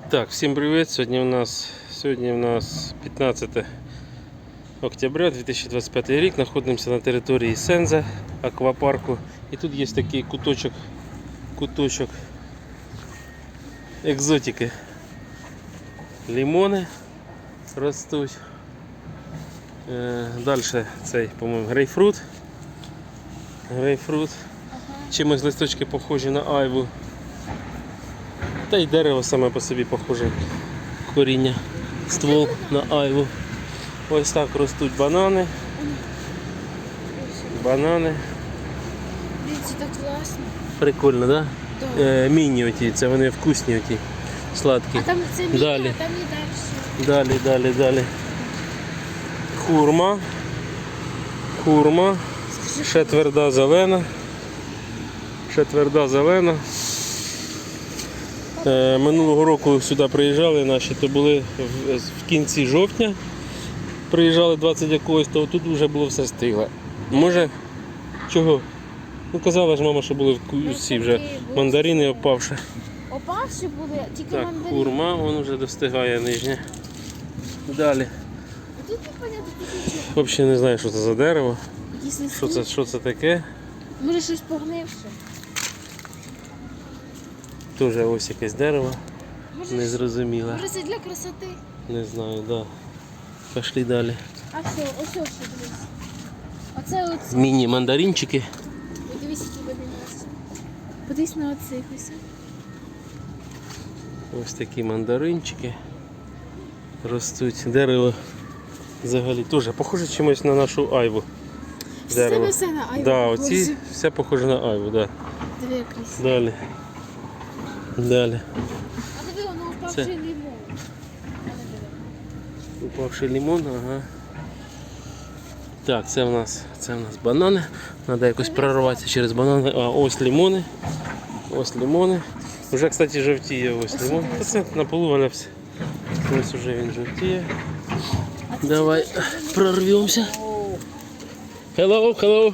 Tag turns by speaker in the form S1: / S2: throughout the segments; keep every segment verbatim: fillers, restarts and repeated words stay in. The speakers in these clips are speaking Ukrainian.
S1: Так, всім привіт! Сьогодні у нас сьогодні у нас п'ятнадцяте октября дві тисячі двадцять п'ятий рік. Знаходимося на території Сенза аквапарку. І тут є такий куточок, куточок екзотики. Лимони ростуть. Далі цей, по-моєму, грейпфрут. Грейпфрут. Чимось листочки похожі на айву. Та й дерево саме по собі похоже, коріння, ствол на айву. Ось так ростуть банани. Банани.
S2: Дивіться, так класно.
S1: Прикольно, так?
S2: Да?
S1: Да. Е, міні оті, це вони вкусні оті, сладкі.
S2: А там це міні,
S1: далі.
S2: а там і далі.
S1: Далі, далі, далі. Хурма. Хурма. Ще тверда зелена. Ще тверда зелена. Е, минулого року сюди приїжджали наші, то були в, в кінці жовтня. Приїжджали двадцять якогось, то тут вже було все стигле. Може, чого? Ну казала ж мама, що були всі вже мандарини опавши.
S2: Опавши були, тільки
S1: Так,
S2: мандарини.
S1: хурма, вон вже достигає нижня. Далі.
S2: А тут непонятно, тут нічого.
S1: Взагалі не знаю, що це за дерево.
S2: Якісь листи.
S1: Що це, що це таке?
S2: Може щось погнивше.
S1: Теж ось якесь дерево.
S2: Може,
S1: Незрозуміле.
S2: може це для красоти.
S1: Не знаю, так. Да. Пішли далі.
S2: А все, ось ось що дивись. Оце оце.
S1: Міні-мандаринчики.
S2: Подивись, які вони у нас. Подивись на оцих ось.
S1: Ось такі мандаринчики ростуть. Дерево взагалі теж похоже чимось на нашу айву.
S2: Все все на айву.
S1: Да, оці все похоже на айву, да.
S2: Диви, якийсь.
S1: Далі. Далі.
S2: А диви, воно
S1: Це.
S2: впавши лимон.
S1: Упавший лимон, ага. Так, це в нас, це в нас банани. Треба якось прорватися через банани. А ось лимони. Ось лимони. Вже, кстати, жовтіє ось лимон. Та це на полу валявся. Ось уже він жовтіє. Давай прорвемося. Hello, hello.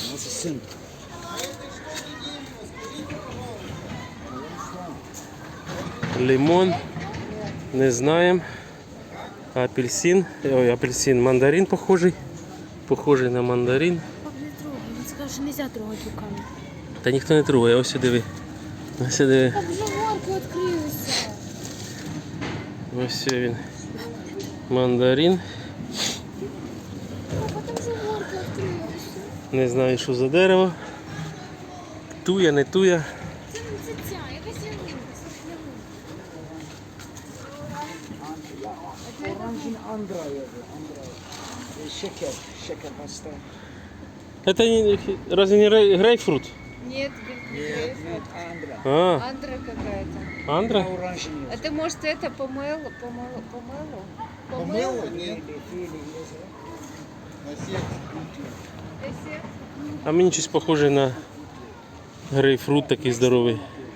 S1: Лимон. Не знаємо. Апельсин. Ой, апельсин. Мандарин похожий. Похожий на мандарин.
S2: Пап, не трогай, він сказав, що не можна трогати руками.
S1: Та ніхто не трогає, ось диви. Ось диви.
S2: Так вже горки відкрилися.
S1: Ось він. Мандарин.
S2: Папа, там вже горки відкрилися.
S1: Не знаю, що за дерево. Туя, не туя.
S2: Це не це ця, якась ялинка, сосняна.
S3: Oranjin Andra yazıyor. Andra. E, şeker. Şeker pasta.
S1: Это не, разве не рей- грейпфрут?
S4: Нет, не грейпфрут.
S3: Andra.
S1: А,
S4: Андра какая-то.
S1: андра?
S3: Oranjin yazıyor.
S4: Это может это помело, помело, помело?
S5: Помело? Нет.
S3: Fili, fili yazıyor.
S4: Эссе?
S1: А мені щось похоже на грейпфрут такий здоровий.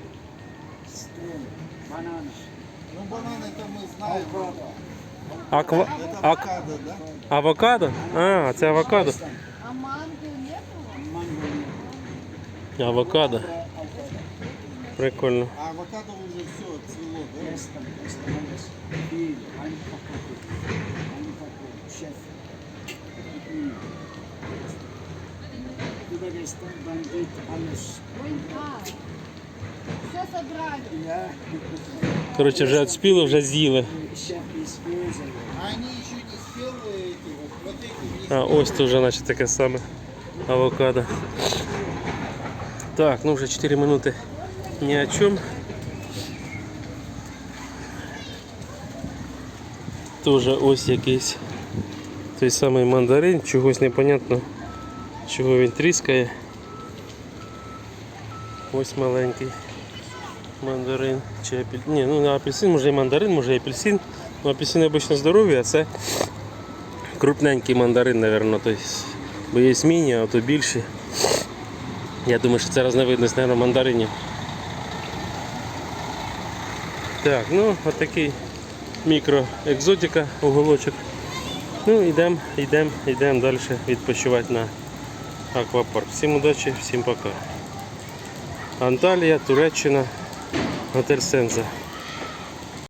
S3: Banana.
S5: Ну, бананы-то мы знаем.
S1: Аква...
S5: Это
S1: Ак...
S5: авокадо, да?
S1: Авокадо? А, це авокадо.
S4: А манго нету?
S3: Mango.
S1: Авокадо. Прикольно.
S5: А авокадо уже все отцвело, да?
S3: Estem. Estem. Fili. Aynı paketi. Aynı paketi. Şef. Burada estem. Ben git alış.
S4: Ой, а. Все собрали.
S3: Ya.
S1: Коротше, вже відспіло, вже з'їли.
S3: Şef ispiyor.
S5: А они еще не спелые эти вот. Вот эти есть.
S1: А ось тут вже наче таке саме авокадо. Так, ну вже чотири минути ні о чому. Тоже ось якийсь той самий мандарин, чогось непонятно, чого він тріскає. Ось маленький мандарин чи апельсин. Ні, ну не апельсин, може і мандарин, може і апельсин. Ну, апельсини обично здорові, а це крупненький мандарин, мабуть. Тобто, бо є міні, а то більші. Я думаю, що це різновидність, мабуть, мандаринів. Так, ну от такий мікроекзотика, уголочок. Ну, йдемо, йдемо, йдемо далі відпочивати на аквапарк. Всім удачі, всім пока. Анталія, Туреччина, готель Сенза.